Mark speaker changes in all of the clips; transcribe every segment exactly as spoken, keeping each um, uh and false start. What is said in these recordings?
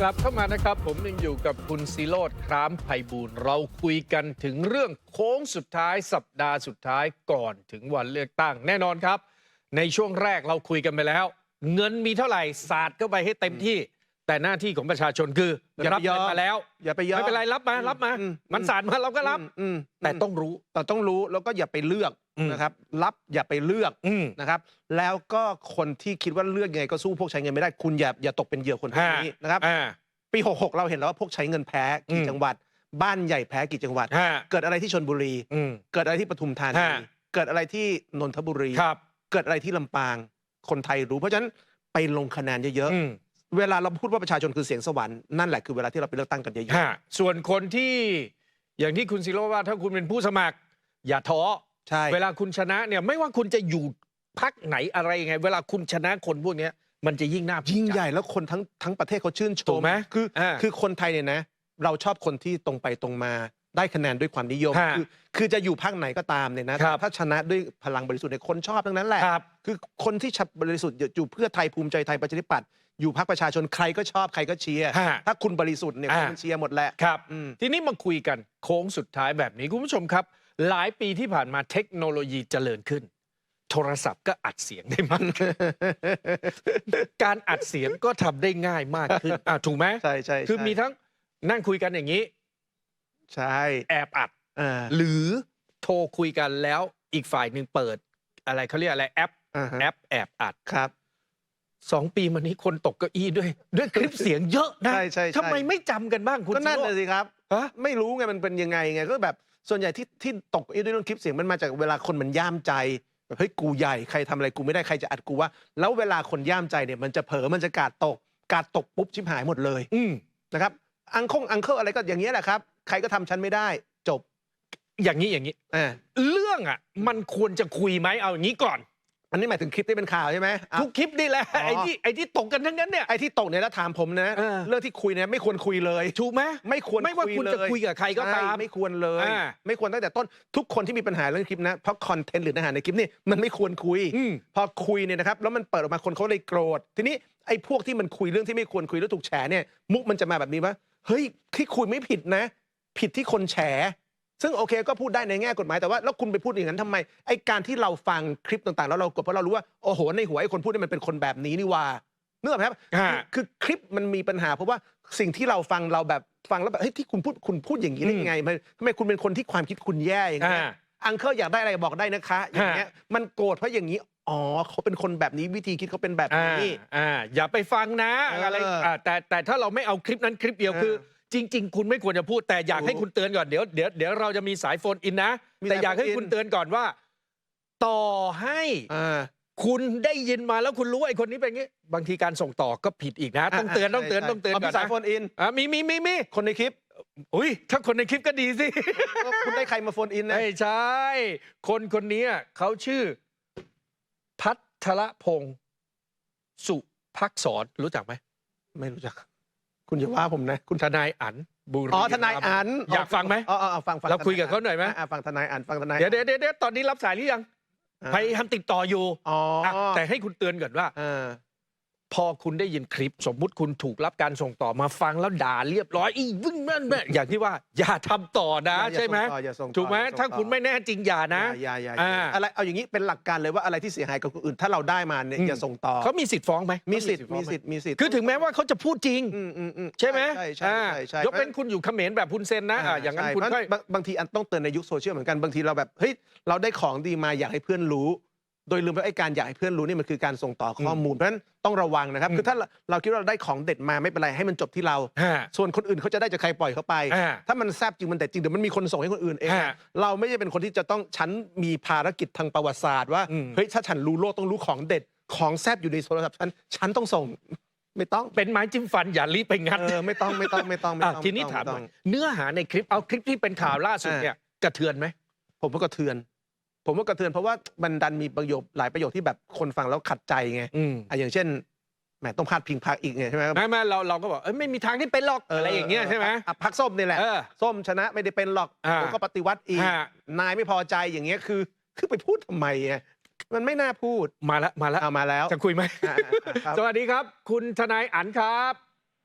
Speaker 1: กลับเข้ามานะครับผมยังอยู่กับคุณศิโรจน์ คร้ามไพบูลย์เราคุยกันถึงเรื่องโค้งสุดท้ายสัปดาห์สุดท้ายก่อนถึงวันเลือกตั้งแน่นอนครับในช่วงแรกเราคุยกันไปแล้ว เงินมีเท่าไหร่สาดเข้าไปให้เต็มที่แต่หน้าที่ของประชาชนคือรับเงินมาแล้ว
Speaker 2: อย่าไปยอม
Speaker 1: ไม่เป็นไรรับมารับมามันสาดมาเราก็รับแต่ต้องรู้
Speaker 2: แต่ต้องรู้แล้วก็อย่าไปเลือกนะครับรับอย่าไปเลือกนะครับแล้วก็คนที่คิดว่าเลือกยังไงก็สู้พวกใช้เงินไม่ได้คุณอย่าอย่าตกเป็นเหยื่อคนพวกนี้นะครับปีหกหกเราเห็นแล้วว่าพวกใช้เงินแพ้กี่จังหวัดบ้านใหญ่แพ้กี่จังหวัดเกิดอะไรที่ชลบุรีเกิดอะไรที่ปทุมธานีเกิดอะไรที่นนทบุรีเกิดอะไรที่ลำปางคนไทยรู้เพราะฉะนั้นไปลงคะแนนเยอะๆเวลาเราพูดว่าประชาชนคือเสียงสวรรค์นั่นแหละคือเวลาที่เราไปเลือกตั้งกันเยอะ
Speaker 1: ๆส่วนคนที่อย่างที่คุณศิโรจน์ว่าถ้าคุณเป็นผู้สมัครอย่าท้อใช่เวลาคุณชนะเนี่ยไม่ว่าคุณจะอยู่พรรคไหนอะไรยังไงเวลาคุณชนะคนพวกนี้มันจะยิ่งน่า
Speaker 2: ยิ่งใหญ่แล้วคนทั้งทั้งประเทศเขาชื่นชมคือคือคนไทยเนี่ยนะเราชอบคนที่ตรงไปตรงมาได้คะแนนด้วยความนิยมคือคือจะอยู่พรรคไหนก็ตามเนี่ยนะถ้าชนะด้วยพลังบริสุทธิ์เนี่ยคนชอบทั้งนั้นแหละคือคนที่บริสุทธิ์อยู่เพื่อไทยภูมิใจไทยประชาธิปัตย์อยู่พรรคประชาชนใครก็ชอบใครก็เชียร์ถ้าคุณบริสุทธิ์เนี่ยคุณเชียร์หมดแหละ
Speaker 1: ครับทีนี้มาคุยกันโค้งสุดท้ายแบบนี้คุณผู้ชมครับหลายปีที่ผ่านมาเทคโนโลยีเจริญขึ้นโทรศัพท์ก็อัดเสียงได้มากการอัดเสียงก็ทำได้ง่ายมากขึ้นอ่ะถูกไหม
Speaker 2: ใช่ใช่
Speaker 1: คือมีทั้งนั่งคุยกันอย่างนี้
Speaker 2: ใช่
Speaker 1: แอบอัดหรือโทรคุยกันแล้วอีกฝ่ายหนึ่งเปิดอะไรเขาเรียกอะไรแอปแอปแอบอัด
Speaker 2: ครับ
Speaker 1: สองปีมานี้คนตกเก้าอี้ด้วยด้วยคลิปเสียงเยอะนะทำไมไม่จำกันบ้างคุณ
Speaker 2: ก็นั่นเลยสิครับไม่รู้ไงมันเป็นยังไงไงก็แบบส่วนใหญ่ที่ที่ตกด้วยเรื่องคลิปเสียงมันมาจากเวลาคนมันย่ามใจแบบเฮ้ยกูใหญ่ใครทำอะไรกูไม่ได้ใครจะอัดกูว่าแล้วเวลาคนย่ามใจเนี่ยมันจะเผลอมันจะกาดตกกาดตกปุ๊บชิบหายหมดเลยนะครับอังคงอังเคิลอะไรก็อย่างเงี้ยแหละครับใครก็ทำฉันไม่ได้จบ
Speaker 1: อย่างนี้อย่างนี้เรื่องอ่ะมันควรจะคุยไหมเอาอย่างนี้ก่อน
Speaker 2: อันนี้หมายถึงคลิปที่เป็นข่าวใช่ไหม
Speaker 1: ทุกคลิปนี่แหละไอ้ที่ไอ้ที่ตกกันทั้งนั้นเนี่ย
Speaker 2: ไอ้ที่ตกเนี่ยแล้วถามผมนะเรื่องที่คุยเนี่ยไม่ควรคุยเลย
Speaker 1: ถูกไหม
Speaker 2: ไม่ควร
Speaker 1: ไม่ว่าคุณจะคุยกับใครก็ตาม
Speaker 2: ไม่ควรเลยไม่ควรตั้งแต่ต้นทุกคนที่มีปัญหาเรื่องคลิปนะเพราะคอนเทนต์หรือเนื้อหาในคลิปนี่มันไม่ควรคุยพอคุยเนี่ยนะครับแล้วมันเปิดออกมาคนเขาเลยโกรธทีนี้ไอ้พวกที่มันคุยเรื่องที่ไม่ควรคุยแล้วถูกแฉเนี่ยมุกมันจะมาแบบนี้ว่าเฮ้ยที่คุยไม่ผิดนะผิดที่คนแฉซึ่งโอเคก็พูดได้ในแง่กฎหมายแต่ว่าแล้วคุณไปพูดอย่างนั้นทำไมไอ้การที่เราฟังคลิปต่างๆแล้วเรากดเพราะเรารู้ว่าโอ้โหในหัวไอ้คนพูดนี่มันเป็นคนแบบนี้นี่ว่าเนื่องครับคือคลิปมันมีปัญหาเพราะว่าสิ่งที่เราฟังเราแบบฟังแล้วแบบเฮ้ยที่คุณพูดคุณพูดอย่างนี้ได้ยังไงทำไมคุณเป็นคนที่ความคิดคุณแย่อย่างเงี้ยอังเคิลอยากได้อะไรบอกได้นะคะอย่างเงี้ยมันโกรธเพราะอย่างนี้อ๋อเขาเป็นคนแบบนี้วิธีคิดเขาเป็นแบบนี้
Speaker 1: อ่าอย่าไปฟังนะอะไรแต่แต่ถ้าเราไม่เอาคลิปนั้นคลิปเดียวคือจริงๆคุณไม่ควรจะพูดแต่อยากให้คุณเตือนก่อนเดี๋ยวเดี๋ยวเดี๋ยวเราจะมีสายโฟนอินนะแต่อยากให้คุณเตือนก่อนว่าต่อให้คุณได้ยินมาแล้วคุณรู้ว่าไอ้คนนี้เป็นงี้บางทีการส่งต่อก็ผิดอีกนะต้องเตือนต้องเตือนต้องเตือนก่อนนะ
Speaker 2: สายโฟนอิน
Speaker 1: มีมีมีมี
Speaker 2: คนในคลิป
Speaker 1: อุ้ยถ้าคนในคลิปก็ดีสิ
Speaker 2: คุณได้ใครมาโฟนอินนะ
Speaker 1: ไม่ใช่คนคนนี้เขาชื่อพัทรพงศ์สุภักษรรู้จักไหม
Speaker 2: ไม่รู้จักคุณอย่าว่าผมนะคุณ
Speaker 1: ทนายอั๋นบุรี
Speaker 2: อ๋อทนายอั๋น
Speaker 1: อยากฟังไหม
Speaker 2: อ๋อฟังฟัง
Speaker 1: เราคุยกับเขาหน่อยไหม
Speaker 2: ฟังทนายอั๋นฟังทนาย
Speaker 1: เดี๋ยวเดี๋ยวเดี๋ยวตอนนี้รับสายหรือยังพยายามติดต่ออยู่
Speaker 2: อ๋อ
Speaker 1: แต่ให้คุณเตือนก่อนว่าพอคุณได้ยินคลิปสมมุติคุณถูกรับการส่งต่อมาฟังแล้วด่าเรียบร้อยอีวึ่งนั่นแม่อย่างที่ว่าอย่าทำต่อนะใช่ไหมถูกไหมถ้าคุณไม่แน่จริงอย่านะ
Speaker 2: อย่าอย่าอะไรเอาอย่างนี้เป็นหลักการเลยว่าอะไรที่เสียหายกับคนอื่นถ้าเราได้มาเนี่ยอย่าส่งต่อ
Speaker 1: เขามีสิทธิ์ฟ้องไหม
Speaker 2: มีสิทธิ์มีสิทธิ์มีสิทธิ์
Speaker 1: คือถึงแม้ว่าเขาจะพูดจริงใช่ไหม
Speaker 2: ใช่ใช่ใช่
Speaker 1: ยกเป็นคุณอยู่เขมรแบบคุณเซนนะอย่างนั้นคุณ
Speaker 2: บางทีอันต้องเตือนในยุคโซเชียลเหมือนกันบางทีเราแบบเฮ้ยเราได้ของดีมาอยากให้เพื่อนรู้โดยลืมไปไอ้การอยากให้เพื่อนรู้นี่มันคือการส่งต่อข้อมูลเพราะฉะนั้นต้องระวังนะครับคือถ้าเราคิดว่าเราได้ของเด็ดมาไม่เป็นไรให้มันจบที่เราส่วนคนอื่นเขาจะได้จากใครปล่อยเขาไปถ้ามันแซบจริงมันแต่จริงเดี๋ยวมันมีคนส่งให้คนอื่นเองเราไม่ใช่เป็นคนที่จะต้องฉันมีภารกิจทางประวัติศาสตร์ว่าเฮ้ยถ้าฉันรู้โลกต้องรู้ของเด็ดของแซบอยู่ในโทรศัพท์ฉันฉันต้องส่งไม่ต้อง
Speaker 1: เป็นไม้จิ้มฟันอย่ารีบไปงัด
Speaker 2: ไม่ต้องไม่ต้องไม่ต้องไม่ต้อง
Speaker 1: ทีนี้ถามเนื้อหาในคลิปเอาคลิปที่เป็นข่าวล่าสุดเนี่ยกระเทือนไหม
Speaker 2: ผมว่ากระเทือนผมว่ากระเทือนเพราะว่ามันดันมีประโยคหลายประโยคที่แบบคนฟังแล้วขัดใจไงอ่ะอย่างเช่นแหมต้องพาดพิงพรรคอีกไงใช่ไหม
Speaker 1: ไม่ไม่เราเราก็บอกเอ้ยไม่มีทางที่เป็นหรอกอะไรอย่างเงี้ยใช่ไหม
Speaker 2: พรรคส้มนี่แหละส้มชนะไม่ได้เป็นหรอกผมก็ปฏิวัติอีกนายไม่พอใจอย่างเงี้ยคือคือไปพูดทำไมอ่ะมันไม่น่าพูด
Speaker 1: มาแล้วมาแล้ว
Speaker 2: เอามาแล้ว
Speaker 1: จะคุยไหมสวัสดีครับคุณทนายอั๋นครับ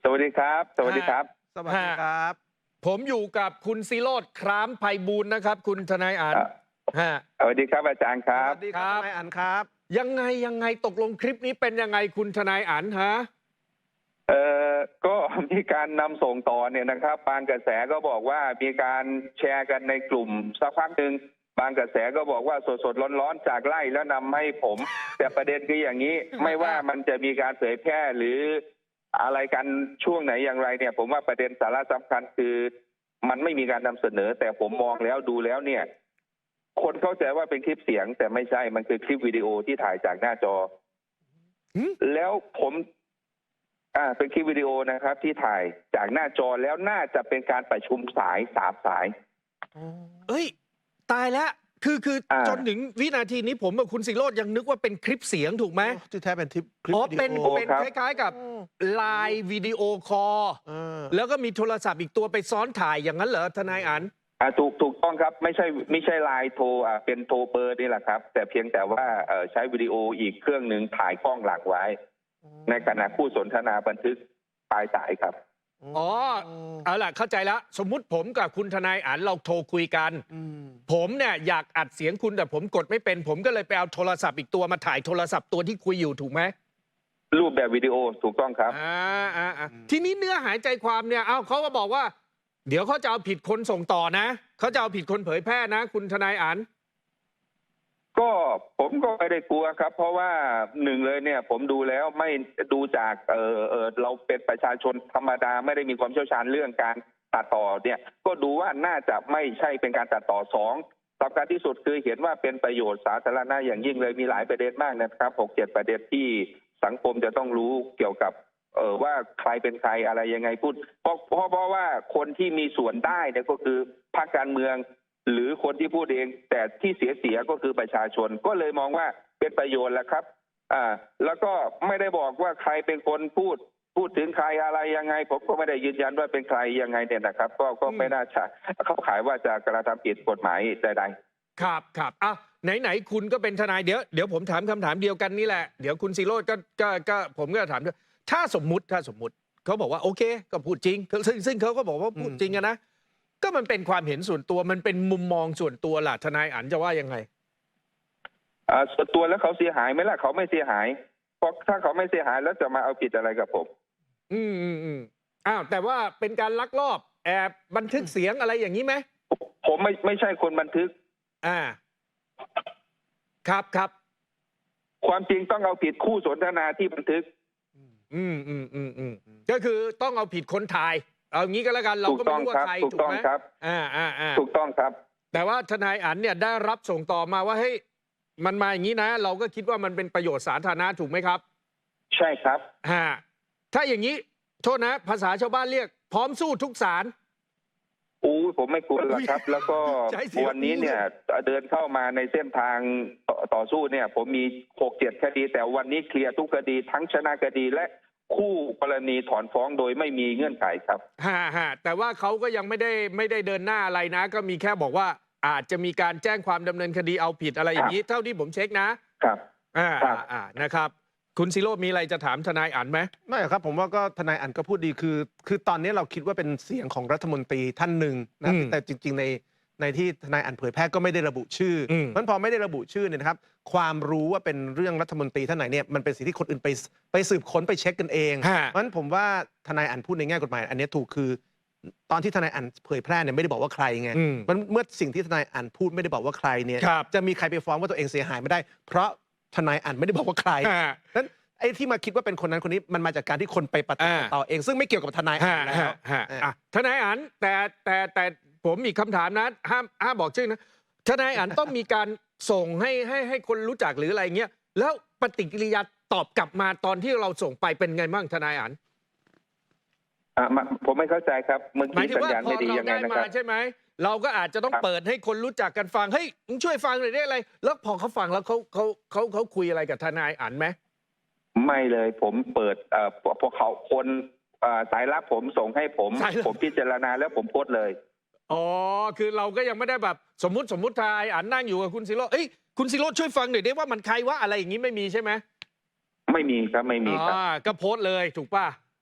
Speaker 3: สวัสดีครับ สวัสดีครับ
Speaker 2: สวัสดีครับ
Speaker 1: ผมอยู่กับคุณศิโรจน์คร้ามไพบูลย์นะครับ คุณทนายอัน
Speaker 3: อ่ะ
Speaker 1: ฮะ
Speaker 3: สวัสดีครับอาจารย์ค
Speaker 2: ส
Speaker 3: รับ
Speaker 2: วัสดีครับ
Speaker 1: ครับ
Speaker 2: ทนายอันครับ
Speaker 1: ยังไงยังไงตกลงคลิปนี้เป็นยังไงคุณทนายอันฮะ
Speaker 3: เอ่อก็ มีการนำส่งต่อเนี่ยนะครับบางกระแสก็บอกว่ามีการแชร์กันในกลุ่มสักพักหนึ่งบางกระแสก็บอกว่าสดๆร้อนๆจากไล่แล้วนำให้ผม แต่ประเด็นคืออย่างนี้ ไม่ว่ามันจะมีการเผยแพร่หรืออะไรกันช่วงไหนอย่างไรเนี่ย ผมว่าประเด็นสาระสำคัญคือ มันไม่มีการนำเสนอ แต่ผมมองแล้วดูแล้วเนี่ย คนเข้าใจว่าเป็นคลิปเสียง แต่ไม่ใช่มันคือคลิปวิดีโอที่ถ่ายจากหน้าจอ
Speaker 1: หืม
Speaker 3: แล้วผม อ่า เป็นคลิปวิดีโอนะครับ ที่ถ่ายจากหน้าจอแล้วน่าจะเป็นการประชุมสายสามสาย
Speaker 1: เอ้ย ตายแล้วคือคือ
Speaker 3: อ่า
Speaker 1: จนถึงวินาทีนี้ผมกับคุณศิโรจน์ยังนึกว่าเป็นคลิปเสียงถูกไหม
Speaker 2: ที่แท้เป็นทิปคลิป
Speaker 1: อ๋อ
Speaker 2: วิดี
Speaker 1: เป็น
Speaker 2: โอ
Speaker 1: เป็นคล้ายๆกับไลน์วิดีโอคอล
Speaker 2: เออ
Speaker 1: แล้วก็มีโทรศัพท์อีกตัวไปซ้อนถ่ายอย่างนั้นเหรอทนายอัน
Speaker 3: อ่าถูกถูกต้องครับ ไม่ใช่ไม่ใช่ไลน์โทรอ่าเป็นโทรเบอร์นี่แหละครับ แต่เพียงแต่ว่าเอ่อใช้วิดีโออีกเครื่องหนึ่งถ่ายกล้องหลังไว้ ในขณะคู่สนทนาบันทึกปลายสายครับ
Speaker 1: อ๋อ เอาล่ะเข้าใจแล้ว สมมุติผมกับคุณทนายอันเราโทรคุยกัน
Speaker 2: อืม
Speaker 1: ผมเนี่ยอยากอัดเสียงคุณแต่ผมกดไม่เป็น ผมก็เลยไปเอาโทรศัพท์อีกตัวมาถ่ายโทรศัพท์ตัวที่คุยอยู่ถูกไหม
Speaker 3: รูปแบบวิดีโอถูกต้องครับ
Speaker 1: อ่าอ่าอ่าทีนี้เนื้อหายใจความเนี่ยเอ้าเขาก็บอกว่า เดี๋ยวเขาจะเอาผิดคนส่งต่อนะเขาจะเอาผิดคนเผยแพร่นะ คุณทนายอัน
Speaker 3: ก็ผมก็ไม่ได้กลัวครับ เพราะว่าหนึ่งเลยเนี่ย ผมดูแล้วไม่ดูจากเออเออเราเป็นประชาชนธรรมดาไม่ได้มีความเชี่ยวชาญเรื่องการตัดต่อเนี่ย ก็ดูว่าน่าจะไม่ใช่เป็นการตัดต่อสองสำคัญที่สุดคือเห็นว่าเป็นประโยชน์สาธารณะอย่างยิ่งเลยมีหลายประเด็นมากนะครับหกเจ็ดประเด็นที่สังคมจะต้องรู้เกี่ยวกับ เออว่าใครเป็นใครอะไรยังไงพูดเพราะเพราะเพราะว่าคนที่มีส่วนได้เนี่ยก็คือพรรคการเมือง หรือคนที่พูดเอง แต่ที่เสียเสียก็คือประชาชนก็เลยมองว่าเป็นประโยชน์แหละครับ อ่า แล้วก็ไม่ได้บอกว่าใครเป็นคนพูด พูดถึงใครอะไรยังไง ผมก็ไม่ได้ยืนยันว่าเป็นใครยังไงเนี่ยนะครับ ก็ก็ไม่น่าจะเข้าข่ายว่าจะกระทำผิดกฎหมายใดๆ
Speaker 1: ครับครับอ่ะไหนไหนคุณก็เป็นทนายเดี๋ยวเดี๋ยวผมถามคำถามเดียวกันนี่แหละเดี๋ยวคุณศิโรจน์ก็ก็ก็ผมก็ถามด้วยถ้าสมมุติถ้าสมมุติเขาบอกว่าโอเค ก็พูดจริงซึ่งซึ่งเขาก็บอกว่าพูดจริงอะนะก็มันเป็นความเห็นส่วนตัวมันเป็นมุมมองส่วนตัวล่ะทนายอันจะว่ายังไง
Speaker 3: อ่าส่วนตัวแล้วเขาเสียหายไหมล่ะเขาไม่เสียหายเพราะถ้าเขาไม่เสียหายแล้วจะมาเอาผิดอะไรกับผม
Speaker 1: อืมอืมอืมอ้าวแต่ว่าเป็นการลักลอบแอบบันทึกเสียงอะไรอย่างนี้ไหม
Speaker 3: ผมไม่ไม่ใช่คนบันทึก
Speaker 1: อ่า ครับครับ
Speaker 3: ความจริงต้องเอาผิดคู่สนทนาที่บันทึก
Speaker 1: อืมอืมอืมอืมก็คือต้องเอาผิดคนถ่าย เอางี้ก็แล้วกันเราก็ไม่รู้ว่าใคร
Speaker 3: ถูก
Speaker 1: ถู
Speaker 3: ต้
Speaker 1: ก
Speaker 3: อง
Speaker 1: ไหม
Speaker 3: ครับ
Speaker 1: อ่าอ่าอ่า
Speaker 3: ถูกต้องครับ
Speaker 1: แต่ว่าทนายอันเนี่ยได้รับส่งต่อมาว่าเฮ้ยมันมาอย่างนี้นะ เราก็คิดว่ามันเป็นประโยชน์สาธารณะถูกไหมครับ
Speaker 3: ใช่ครับ
Speaker 1: ฮะถ้าอย่างนี้โทษนะ ภาษาชาวบ้านเรียก พร้อมสู้ทุกศาล
Speaker 3: อู้ผมไม่กลัวหรอกครับ แล้วก็
Speaker 1: ใช้เสียง
Speaker 3: วันนี้เนี่ยเดินเข้ามาในเส้นทางต่อต่อสู้เนี่ย ผมมีหกเจ็ดคดี แต่วันนี้เคลียร์ทุกคดีทั้งชนะคดีและคู่กรณีถอนฟ้องโดยไม่มีเงื่อนไขครับ
Speaker 1: ฮะฮะแต่ว่าเขาก็ยังไม่ได้ไม่ได้เดินหน้าอะไรนะ ก็มีแค่บอกว่าอาจจะมีการแจ้งความดำเนินคดีเอาผิดอะไรอย่างนี้ เท่าที่ผมเช็คนะครับ อ่า
Speaker 3: ครับ
Speaker 1: อ่านะครับ คุณศิโรจน์มีอะไรจะถามทนายอันไหม
Speaker 2: ไม่ครับผมว่าก็ทนายอันก็พูดดีคือ คือตอนนี้เราคิดว่าเป็นเสียงของรัฐมนตรีท่านหนึ่งนะ
Speaker 1: อืม
Speaker 2: แต่จริง ๆ ในในที่ทนายอันเผยแพร่ก็ไม่ได้ระบุชื่ออ
Speaker 1: ม
Speaker 2: มันพอไม่ได้ระบุชื่อเนี่ยนะครับ ความรู้ว่าเป็นเรื่องรัฐมนตรีท่านไหนเนี่ยมันเป็นสิ่งที่คนอื่นไปไปสืบค้นไปเช็คกันเอง
Speaker 1: ฮะ
Speaker 2: เพราะฉะนั้นผมว่าทนายอันพูดในแง่กฎหมาย อันนี้ถูกคือ ตอนที่ทนายอันเผยแพร่เนี่ยไม่ได้บอกว่าใครไง
Speaker 1: อืม
Speaker 2: มันเมื่อสิ่งที่ทนายอันพูดไม่ได้บอกว่าใครเนี่ย
Speaker 1: ครับ
Speaker 2: จะมีใครไปฟ้องว่าตัวเองเสียหายไม่ได้ เพราะทนายอันไม่ได้บอกว่าใคร
Speaker 1: ฮะ
Speaker 2: นั้นไอ้ที่มาคิดว่าเป็นคนนั้นคนนี้มันมาจากการที่คนไปปฏิ
Speaker 1: อ่า
Speaker 2: ต่อเอง ซึ่งไม่เกี่ยวกับทนายอั
Speaker 1: ฮะ
Speaker 2: นแล้
Speaker 1: ฮะ
Speaker 2: ว
Speaker 1: ฮะ
Speaker 2: เออ
Speaker 1: อ่ะทนายอันแต่แต่แต่ผมมีคำถามนะห้ามห้ามบอกชื่อนะทนายอันต้องมีการส่งให้ให้ให้คนรู้จักหรืออะไรเงี้ยแล้วปฏิกิริยาตอบกลับมาตอนที่เราส่งไปเป็นไงบ้างทนายอัน
Speaker 3: อ่ามาผมไม่เข้าใจครับเมื่อ
Speaker 1: หมาย
Speaker 3: กี้
Speaker 1: ถึง
Speaker 3: สัญ
Speaker 1: ว่า
Speaker 3: ญาณ
Speaker 1: พอ
Speaker 3: ไม่ดี
Speaker 1: เรา
Speaker 3: ยังไง
Speaker 1: ได้
Speaker 3: นะค
Speaker 1: มา
Speaker 3: รับ
Speaker 1: ใช่ไหมเราก็อาจจะต้อง
Speaker 3: ครับ
Speaker 1: เปิดให้คนรู้จักกันฟังเฮ้ยมึงช่วยฟังหน่อยได้อะไร แล้วพอเขาฟังแล้วเขาเขาเขาเขาคุยอะไรกับทนายอันไหม
Speaker 3: ไม่เลยผมเปิดเอ่อพวกเขาคนเอ่อสายลับผมส่งให้ผม
Speaker 1: สายลับ
Speaker 3: ผมพิจารณาแล้วผมโพสต์เลย
Speaker 1: อ๋อคือเราก็ยังไม่ได้แบบสมมุติสมมุติทนายอันนั่งอยู่กับคุณศิโรจน์เอ้ยคุณศิโรจน์ช่วยฟังหน่อยได้ว่ามันใครว่าอะไรอย่างนี้ไม่มีใช่ไหม
Speaker 3: ไม่มีครับไม่มีครับ
Speaker 1: อ่าก็โพสต์เลยถูกป่ะ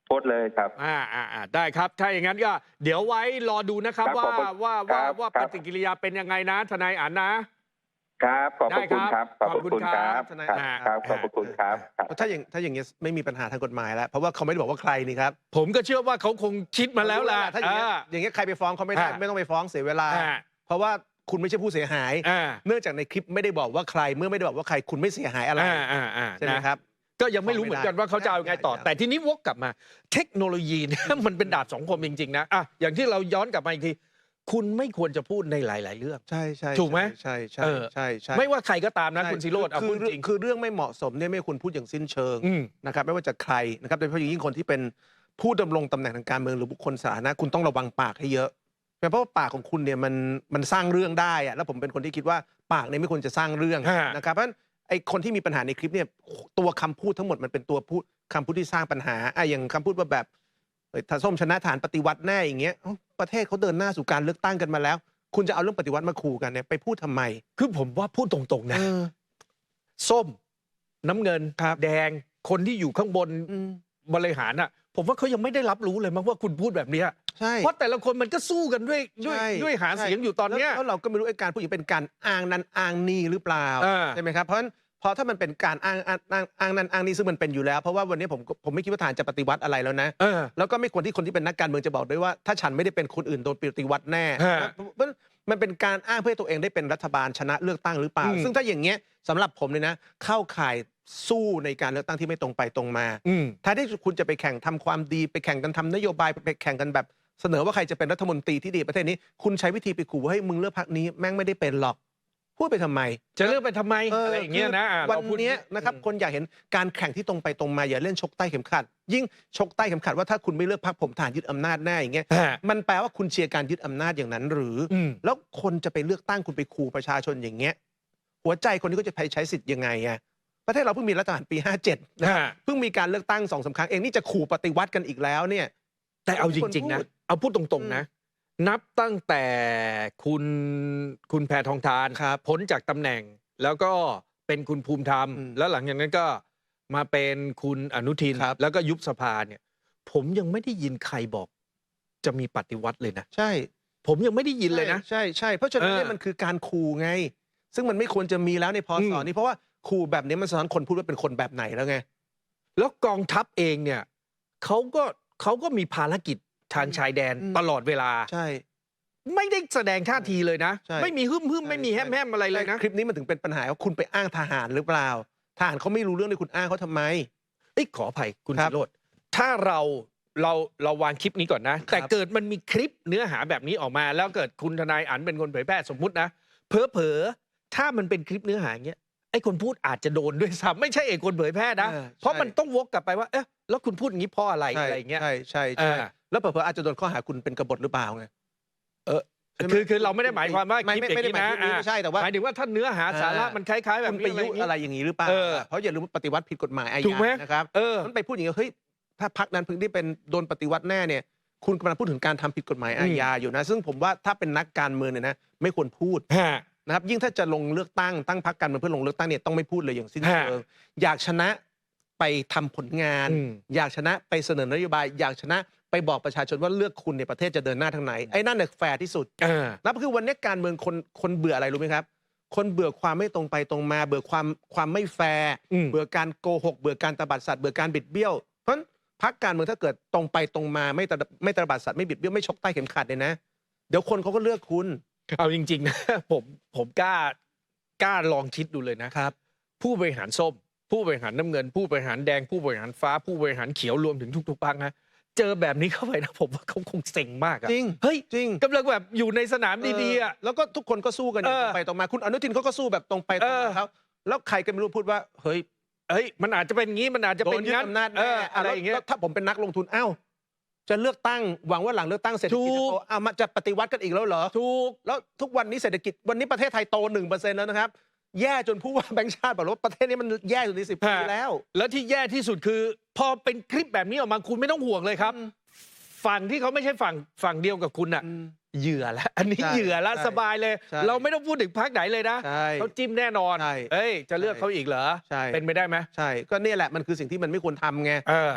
Speaker 3: โพสต์เลยครับ
Speaker 1: อ่าอ่าอ่าได้ครับ ถ้าอย่างนั้นก็เดี๋ยวไว้รอดูนะครับ
Speaker 3: ครับ
Speaker 1: ว่า
Speaker 3: ขอบคุณ
Speaker 1: ว่า
Speaker 3: ค
Speaker 1: ว่า
Speaker 3: รับ
Speaker 1: ว่า
Speaker 3: ค
Speaker 1: ป
Speaker 3: รับ
Speaker 1: ฏิกิริยาเป็นยังไงนะทนายอันนะ
Speaker 3: ครับขอบพระคุณ
Speaker 1: ได้
Speaker 3: ค
Speaker 1: ครั
Speaker 3: รับ บขอบพระคุณครับ
Speaker 2: ทนาย
Speaker 3: ครับ
Speaker 2: อ่า
Speaker 3: ครับขอบพระคุณครับครับ
Speaker 2: เพราะถ้าอย่างถ้าอย่างเงี้ยไม่มีปัญหาทางกฎหมายแล้วเพราะว่าเขาไม่ได้บอกว่าใครนี่ครับ
Speaker 1: ผมก็เชื่อว่าเขาคงคิดมาแล้วล่ะ
Speaker 2: ถ้าอย่างเงี้ย
Speaker 1: อ่า
Speaker 2: อย่างเงี้ยใครไปฟ้องเขาไม่ได้
Speaker 1: อ่า
Speaker 2: ไม่ต้องไปฟ้องเสียเวลา
Speaker 1: อ่า
Speaker 2: เพราะว่าคุณไม่ใช่ผู้เสียหาย
Speaker 1: อ่า
Speaker 2: เนื่องจากในคลิปไม่ได้บอกว่าใคร เมื่อไม่ได้บอกว่าใครคุณไม่เสียหายอะไร
Speaker 1: อ่าอ่าอ่า
Speaker 2: ใช่ไหม
Speaker 1: นะครับ ก็ยังไม่รู้เหมือนกันว่าเขาจะเอายังไงต่อ
Speaker 2: ใช่ใช่
Speaker 1: แต่ทีนี้วกกลับมา เทคโนโลยีเนี่ย มันเป็นดาบสองคมจริงๆนะอ่ะอย่างที่เราย้อนกลับมาอีกที คุณไม่ควรจะพูดในหลาย ๆ เรื่อง
Speaker 2: ใช่ใช่
Speaker 1: ถูกไหม
Speaker 2: ใช่ใช่
Speaker 1: เออ
Speaker 2: ใช่ใช่
Speaker 1: ไม่ว่าใครก็ตามนะ
Speaker 2: ใช่
Speaker 1: คุณซิโรดเอา
Speaker 2: คื
Speaker 1: พู
Speaker 2: อ
Speaker 1: ดจริง
Speaker 2: คือเรื่องไม่เหมาะสมเนี่ยไม่ควรพูดอย่างสิ้นเชิง
Speaker 1: อืม
Speaker 2: นะครับไม่ว่าจะใครนะครับโดยเฉพาะอย่างยิ่งคนที่เป็นผู้ดำรงตำแหน่งทางการเมืองหรือบุคคลสาธารณะคุณต้องระวังปากให้เยอะเพราะว่าปากของคุณเนี่ยมันมันสร้างเรื่องได้อะแล้วผมเป็นคนที่คิดว่าปากเนี่ยไม่ควรจะสร้างเรื่อง
Speaker 1: ฮะ
Speaker 2: นะครับเพราะฉะนั้นไอ้คนที่มีปัญหาในคลิปเนี่ยตัวคำพูดทั้งหมดมันเป็นตัวพูดคำพูดที่สร้างปัญหาอ่ะอย่างคำพูดว่าแบบเอ้ยถ้าส้มชนะฐานปฏิวัติแน่อย่างเงี้ยเอ้าประเทศเขาเดินหน้าสู่การเลือกตั้งกันมาแล้ว คุณจะเอาเรื่องปฏิวัติมาขู่กันเนี่ยไปพูดทำไม
Speaker 1: คือผมว่าพูดตรงๆนะ
Speaker 2: เออ
Speaker 1: ส้ม น้ำเงิน
Speaker 2: ครับ
Speaker 1: แดงคนที่อยู่ข้างบน
Speaker 2: อืม
Speaker 1: บริหารอ่ะ ผมว่าเขายังไม่ได้รับรู้เลยมั้งว่าคุณพูดแบบเนี้ย
Speaker 2: ใช่
Speaker 1: เพราะแต่ละคนมันก็สู้กันด้วยด้วย
Speaker 2: ใช่
Speaker 1: ด้วยหา
Speaker 2: ใช่
Speaker 1: เสียงอยู่ตอนเนี้ย
Speaker 2: แล้วแล้วเราก็ไม่รู้ไอ้การพูดอย่างเป็นการอ้างนั้นอ้างนี่หรือเปล่า
Speaker 1: อ่า
Speaker 2: ใช่ไหมครับเพราะฉะนั้นพอถ้ามันเป็นการอ้างอ้างอ้างอ้างนั้นอ้างนี่ซึ่งมันเป็นอยู่แล้ว เพราะว่าวันนี้ผมผมไม่คิดว่าทหารจะปฏิวัติอะไรแล้วนะ
Speaker 1: เออ
Speaker 2: แล้วก็ไม่ควรที่คนที่เป็นนักการเมืองจะบอกด้วยว่าถ้าฉันไม่ได้เป็นคนอื่นโดนปฏิวัติแน่
Speaker 1: ฮะ
Speaker 2: นะเพราะมันเป็นการอ้างเพื่อให้ตัวเองได้เป็นรัฐบาลชนะเลือกตั้งหรือเปล่า
Speaker 1: อืม
Speaker 2: ซึ่งถ้าอย่างเงี้ยสำหรับผมเลยนะ เข้าข่ายสู้ในการเลือกตั้งที่ไม่ตรงไปตรงมา
Speaker 1: อืม
Speaker 2: ถ้าที่คุณจะไปแข่งทำความดีไปแข่งกันทำนโยบายไปแข่งกันแบบเสนอว่าใครจะเป็นรัฐมนตรีที่ดีประเทศนี้ คุณใช้วิธีไปขู่ว่าให้ยมึงเลือกพรรคนี้แม่งไม่ได้เป็นหรอกพูดไปทำไม
Speaker 1: จะเลือกไปทำไม
Speaker 2: เอออ
Speaker 1: อะไรอย่างเงี้ยนะอ่ะ
Speaker 2: วัน
Speaker 1: เราพูด
Speaker 2: เนี้ยนะครับคนอยากเห็นการแข่งที่ตรงไปตรงมาอย่าเล่นชกใต้เข็มขัด ยิ่งชกใต้เข็มขัดว่าถ้าคุณไม่เลือกพรรคผมฐานยึดอำนาจแน่อย่างเงี้ย
Speaker 1: ฮะ
Speaker 2: มันแปลว่าคุณเชียร์การยึดอำนาจอย่างนั้นหรืออ
Speaker 1: อืม
Speaker 2: แล้วคนจะไปเลือกตั้งคุณไปขู่ประชาชนอย่างเงี้ยหัวใจคนนี้ก็จะไปใช้สิทธิ์ยังไงอะประเทศเราเพิ่งมีรัฐประหารปีห้าเจ็ดนะครับ
Speaker 1: ฮะ
Speaker 2: เพิ่งมีการเลือกตั้งสองสามครั้งเองนี่จะขู่ปฏิวัติกันอีกแล้วเนี่ย
Speaker 1: แต่เอาจริง ๆ นะ
Speaker 2: พูด
Speaker 1: เอาพูดตรง ๆ นะ นับตั้งแต่คุณคุณแพทองทาน
Speaker 2: ครับ
Speaker 1: พ้นจากตำแหน่ง แล้วก็เป็นคุณภูมิธรรม
Speaker 2: อืม
Speaker 1: แล้วหลังจากนั้นก็มาเป็นคุณอนุทิน
Speaker 2: ครับ
Speaker 1: แล้วก็ยุบสภาเนี่ย ผมยังไม่ได้ยินใครบอก จะมีปฏิวัติเลยนะ
Speaker 2: ใช่
Speaker 1: ผมยังไม่ได้ยินเลยนะ
Speaker 2: ใช่ใช่เพราะฉะนั้น
Speaker 1: เออ
Speaker 2: เนี่ยมันคือการขู่ไง ซึ่งมันไม่ควรจะมีแล้วในพ
Speaker 1: อื
Speaker 2: ศ
Speaker 1: ม
Speaker 2: นี้เพราะว่าขู่แบบนี้มันสะท้อนคนพูดว่าเป็นคนแบบไหนแล้วไง
Speaker 1: แล้วกองทัพเองเนี่ยเขาก็เขาก็มีภารกิจทางชายแดน
Speaker 2: อืม
Speaker 1: ตลอดเวลา
Speaker 2: ใช่
Speaker 1: ไม่ได้แสดงท่าทีเลยนะ
Speaker 2: ใช่
Speaker 1: ไม่มีหึ่มหึ่มไม่มีแฮมแฮมอะไรเลยนะ
Speaker 2: คลิปนี้มันถึงเป็นปัญหาว่าคุณไปอ้างทหารหรือเปล่าทหารเขาไม่รู้เรื่องเลยคุณอ้างเขาทำไม
Speaker 1: เอ้ยขออภัยคุณ
Speaker 2: ครั
Speaker 1: สิ
Speaker 2: บ
Speaker 1: โรจน์ถ้าเราเราเราวางคลิปนี้ก่อนนะ แต่เกิดมันมีคลิปเนื้อหาแบบนี้ออกมา แล้วเกิดคุณทนายอันเป็นคนเผยแพร่สมมุตินะเผลอเผลอๆถ้ามันเป็นคลิปเนื้อหาอย่างเงี้ยไอ้คนพูดอาจจะโดนด้วยซ้ำไม่ใช่เอกคนเผยแพร่นะ
Speaker 2: เออ
Speaker 1: เพราะ
Speaker 2: ใช่
Speaker 1: มันต้องวกกลับไปว่าเอ๊ะแล้วคุณพูดอย่างนี้เพราะอะไร
Speaker 2: ใช่
Speaker 1: อะไรอย่างเงี้ย
Speaker 2: ใช่ใช่ใช่
Speaker 1: อ่า
Speaker 2: แล้วเผลอๆอาจจะโดนข้อหาคุณเป็นกบฏหรือเปล่าไง
Speaker 1: เออ
Speaker 2: ใช่ไหม
Speaker 1: คือคือเราไม่ได้หมายความว่า
Speaker 2: ไม่
Speaker 1: คลิป
Speaker 2: ไม่
Speaker 1: อย่าง
Speaker 2: ไม่ได้
Speaker 1: นี้
Speaker 2: หมาย
Speaker 1: นะ
Speaker 2: ถึงไม่ใช่แต่ว่า
Speaker 1: หมายถึงว่าถ้าเนื้อหาสาระ
Speaker 2: อ่ามั
Speaker 1: มันคล้ายๆ แบบ
Speaker 2: คุณ
Speaker 1: นี้
Speaker 2: ไปยุ
Speaker 1: อย่างงี้
Speaker 2: อะไรอย่างนี้หรือเปล่า
Speaker 1: เออ
Speaker 2: เพราะอย่าลืมว่าปฏิวัติผิดกฎหมายอา
Speaker 1: ถูก
Speaker 2: ญา
Speaker 1: ไหม
Speaker 2: นะครับ
Speaker 1: เออ
Speaker 2: มันไปพูดอย่างนี้เฮ้ยถ้าพักนั้นเพิ่งได้เป็นโดนปฏิวัติแน่เนี่ย คุณกำลังพูดถึงการทำผิดกฎหมายอาญาอยู่นะ ซึ่งผมว่าถ้าเป็นนักการเมืองเนี่ยนะไม่ควรพูด
Speaker 1: ฮะ
Speaker 2: นะครับยิ่งถ้าจะลงเลือกตั้งตั้งพรรคการเมืองเพื่อลงเลือกตั้งเนี่ยต้องไม่พูดเลยอย่างสิ้น
Speaker 1: ฮะ
Speaker 2: เชิงอยากชนะไปทำผลงาน
Speaker 1: อืม
Speaker 2: อยากชนะไปเสนอนโยบาย อยากชนะไปบอกประชาชนว่าเลือกคุณในยประเทศจะเดินหน้าทางไหนไอ้นั่นเนี่ยแฟร์ที่สุด
Speaker 1: เออ
Speaker 2: นั่นคือวันนี้การเมืองคนคนเบื่ออะไรรู้ไหมครับ คนเบื่อความไม่ตรงไปตรงมา เบื่อความความไม่แฟร์
Speaker 1: อืม
Speaker 2: เบื่อการโกหก เบื่อการตบัดสัตว์เบื่อการบิดเบี้ยวเพราะฉะนั้นพรรคการเมืองถ้าเกิดตรงไปตรงมาไม่ตะไม่ตบัดสัตว์ไม่บิดเบี้ยวไม่ชกใต้เข็มขัดเลยนะ เดี๋ยวคนเขาก็เลือกคุณ
Speaker 1: เอาจริง ๆ นะ ผมผมกล้ากล้าลองคิดดูเลยนะ
Speaker 2: ครับ
Speaker 1: ผู้บริหารส้ม ผู้บริหารน้ำเงิน ผู้บริหารแดง ผู้บริหารฟ้า ผู้บริหารเขียวรวมถึงทุกๆพรรคนะเจอแบบนี้เข้าไปนะผมว่าเขาคงเซ็งมากอะ
Speaker 2: จริง
Speaker 1: เฮ้ย
Speaker 2: จริง
Speaker 1: กำลังแบบอยู่ในสนามดีๆอะ
Speaker 2: เแล้วก็ทุกคนก็สู้กันอย่าง
Speaker 1: เออ
Speaker 2: ตรงไปตรงมาคุณอนุทินเขาก็สู้แบบตรงไปตรง
Speaker 1: เอ
Speaker 2: มา
Speaker 1: อ
Speaker 2: เขาแล้วใครก็ไม่รู้พูดว่าเฮ้ย
Speaker 1: เอ้ยมันอาจจะเป็นงี้มันอาจจะ
Speaker 2: โด
Speaker 1: เป็น
Speaker 2: นยึด
Speaker 1: งั้น
Speaker 2: อำนาจ
Speaker 1: เอ
Speaker 2: แน่
Speaker 1: ออะไรอย่างเงี้ย
Speaker 2: แล้วถ้าผมเป็นนักลงทุนอ้าวจะเลือกตั้งหวังว่าหลังเลือกตั้งเศรษฐกิจจะ
Speaker 1: ถู
Speaker 2: โต
Speaker 1: ก
Speaker 2: อ้าวมาจะปฏิวัติกันอีกแล้วเหรอ
Speaker 1: ถูก
Speaker 2: แล้วทุกวันนี้เศรษฐกิจวันนี้ประเทศไทยโตหนึ่งเปอร์เซ็นต์แล้วนะครับ แย่จนผู้ว่าแบงค์ชาติบอกว่าประเทศนี้มันแย่สุดในสิบปี
Speaker 1: ฮะ
Speaker 2: แล้ว
Speaker 1: แล้วที่แย่ที่สุดคือ พอเป็นคลิปแบบนี้ออกมาคุณไม่ต้องห่วงเลยครับ
Speaker 2: อืม
Speaker 1: ฝั่งที่เขาไม่ใช่ฝั่งฝั่งเดียวกับคุณน่ะ
Speaker 2: อืม
Speaker 1: เหยื่อแล้วอันนี้
Speaker 2: ใช่
Speaker 1: เหยื่อแล้ว
Speaker 2: ใช่
Speaker 1: สบายเลย
Speaker 2: ใช่
Speaker 1: เราไม่ต้องพูดถึงพรรคไหนเลยนะ
Speaker 2: ใช่
Speaker 1: เขาจิ้มแน่นอน
Speaker 2: ใช่
Speaker 1: เอ้ยจะเลือกเขาอีกเหรอ
Speaker 2: ใช่
Speaker 1: เป็นไปได้ไหม
Speaker 2: ใช่ก็เนี่ยแหละมันคือสิ่งที่มันไม่ควรทำไง
Speaker 1: เออ
Speaker 2: เพราะฉะนั้น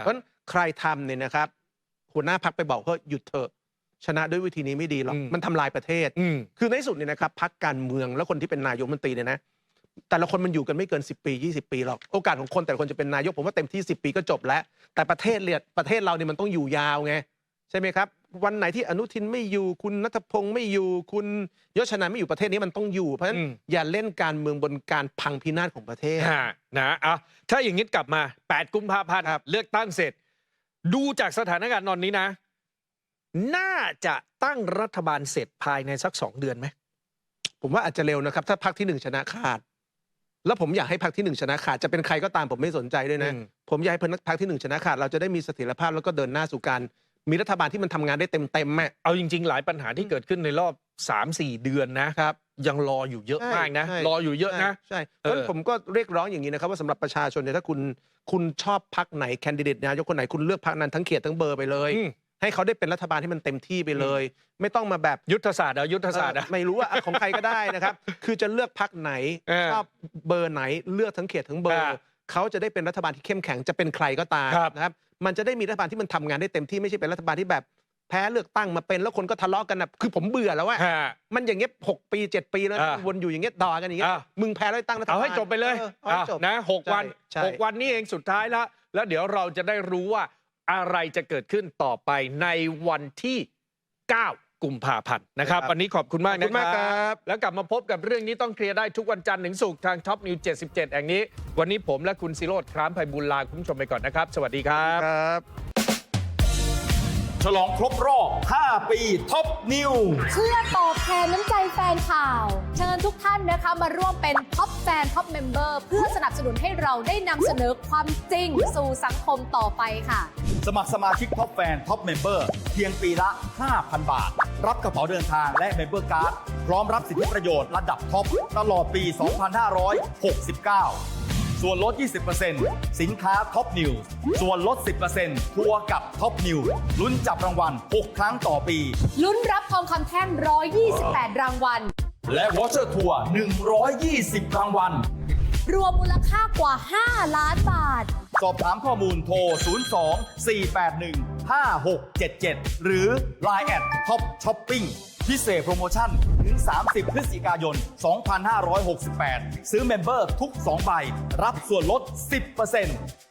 Speaker 2: ใครทำเนี่ยนะครับหัวหน้าพรรคไปบอกว่าหยุดเถอะชนะด้วยวิธีนี้ไม่ดีหรอก
Speaker 1: อืม
Speaker 2: มันทำลายประเทศ
Speaker 1: อืม
Speaker 2: คือในที่สุดเนี่ยนะครับพรรคการเมืองแล้วคนที่เป็นนายกรัฐมนตรีเนี่ยนะแต่ละคนมันอยู่กันไม่เกินสิบปียี่สิบปีหรอกโอกาสของคนแต่ละคนจะเป็นนายกผมว่าเต็มที่สิบปีก็จบแล้ว แต่ประเทศเนี่ยประเทศเราเนี่ยมันต้องอยู่ยาวไงใช่ไหมครับวันไหนที่อนุทินไม่อยู่คุณณัฐพงศ์ไม่อยู่คุณยศชนันไม่อยู่ประเทศนี้มันต้องอยู่เพราะฉะนั้น
Speaker 1: อืม
Speaker 2: อย่าเล่นการเมืองบนการพังพินาศของประเทศ
Speaker 1: ฮะนะอ่ะถ้าอย่างนี้กลับมาแปดกุมภาพันธ์
Speaker 2: ครับ
Speaker 1: เลือกตั้งเสร็จ ดูจากสถานการณ์ตอนนี้นะ น่าจะตั้งรัฐบาลเสร็จภายในสักสองเดือนไหม
Speaker 2: ผมว่าอาจจะเร็วนะครับถ้าพรรคที่หนึ่งชนะขาด แล้วผมอยากให้พรรคที่หนึ่งชนะขาดจะเป็นใครก็ตามผมไม่สนใจด้วยนะ
Speaker 1: อืม
Speaker 2: ผมอยากให้พรรคที่หนึ่งชนะขาดเราจะได้มีเสถียรภาพแล้วก็เดินหน้าสู่การมีรัฐบาลที่มันทำงานได้เต็มเต็มๆอ่ะ
Speaker 1: เอาจริง ๆ หลายปัญหาที่เกิดขึ้นในรอบ สามสี่ เดือนนะครับ ยังรออยู่เยอะ
Speaker 2: ใช่
Speaker 1: มากนะ
Speaker 2: ใช่
Speaker 1: รออยู่เยอะนะ
Speaker 2: ใช่
Speaker 1: เออ
Speaker 2: เพราะฉะนั้นผมก็เรียกร้องอย่างนี้นะครับว่าสำหรับประชาชนเนี่ยถ้าคุณคุณชอบพรรคไหนแคนดิเดตนายกคนไหนคุณเลือกพรรคนั้นทั้งเขตทั้งเบอร์ไปเลย
Speaker 1: อืม
Speaker 2: ให้เขาได้เป็นรัฐบาลที่มันเต็มที่ไปเลย ไม่ต้องมาแบบ
Speaker 1: ยุทธศาสตร์เอายุทธศาสตร์
Speaker 2: เอ
Speaker 1: อะ
Speaker 2: อไม่รู้ว่า ของใครก็ได้นะครับ คือจะเลือกพรรคไหน
Speaker 1: เออ
Speaker 2: ชอบเบอร์ไหนเลือกทั้งเขตทั้งเบอร์
Speaker 1: อ่า
Speaker 2: เขาจะได้เป็นรัฐบาลที่เข้มแข็งจะเป็นใครก็ตาม
Speaker 1: ครับ
Speaker 2: นะครับ มันจะได้มีรัฐบาลที่มันทำงานได้เต็มที่ไม่ใช่เป็นรัฐบาลที่แบบแพ้เลือกตั้งมาเป็นแล้วคนก็ทะเลาะกันนะคือผมเบื่อแล้วว่า
Speaker 1: ฮะ
Speaker 2: มันอย่างเงี้ยหกปีเจ็ดปีแล้วนะ
Speaker 1: อ่า
Speaker 2: วนอยู่อย่างเงี้ยด่ากันอย่างเงี้ย
Speaker 1: อ่า
Speaker 2: มึงแพ้แล้วตั้งรัฐบาล
Speaker 1: เอาให้จบไปเลย
Speaker 2: ออเอาให้
Speaker 1: อ่ะ
Speaker 2: จบ
Speaker 1: นะหกวัน
Speaker 2: ใช่
Speaker 1: หกวันนี้เองสุดท้ายแล้ว แล้วเดี๋ยวเราจะได้รู้ว่าอะไรจะเกิดขึ้นต่อไปในวันที่ เก้า กุมภาพันธ์นะครับ วันนี้ขอบคุณมาก
Speaker 2: ขอบ
Speaker 1: นะ
Speaker 2: คุณมาก
Speaker 1: ค
Speaker 2: ค
Speaker 1: รั
Speaker 2: รับ บ
Speaker 1: แล้วกลับมาพบกับเรื่องนี้ต้องเคลียร์ได้ทุกวันจันทร์ถึงศุกร์ทางท็อปนิวเจ็ดสิบเจ็ดแห่งนี้ วันนี้ผมและคุณศิโรจน์คร้ามไพบูลย์ลาคุณผู้ชมไปก่อนนะครับ สวัสดีครับ
Speaker 2: ครับ
Speaker 4: ฉลองครบรอบ ห้า ปีท็อปนิว
Speaker 5: เพื่อตอบแทนน้ำใจแฟนข่าว เชิญทุกท่านนะคะมาร่วมเป็นท็อปแฟนท็อปเมมเบอร์เพื่อสนับสนุนให้เราได้นำเสนอความจริงสู่สังคมต่อไปค่ะ
Speaker 4: สมัครสมาชิกท็อปแฟนท็อปเมมเบอร์เพียงปีละ ห้าพัน บาท รับกระเป๋าเดินทางและเมมเบอร์การ์ดพร้อมรับสิทธิประโยชน์ระดับท็อปตลอดปี สองพันห้าร้อยหกสิบเก้า ส่วนลด ยี่สิบเปอร์เซ็นต์ สินค้าท็อปนิวส่วนลด สิบเปอร์เซ็นต์ ทัวร์กับท็อปนิวลุ้นจับรางวัล หก ครั้งต่อปี
Speaker 5: ลุ้นรับทองคำแท่งหนึ่งร้อยยี่สิบแปดรางวัล
Speaker 4: และวอเชอร์ทัวร์ หนึ่งร้อยยี่สิบ รางวัล
Speaker 5: รวมมูลค่ากว่า ห้า ล้านบาท
Speaker 4: สอบถามข้อมูลโทร ศูนย์ สอง สี่ แปด หนึ่ง ห้า หก เจ็ด เจ็ด หรือ ไลน์ แอท ท็อปช้อปปิ้ง พิเศษโปรโมชั่น ถึง สามสิบ พฤศจิกายน สองพันห้าร้อยหกสิบแปด ซื้อเมมเบอร์ทุก สอง ใบ รับส่วนลด สิบเปอร์เซ็นต์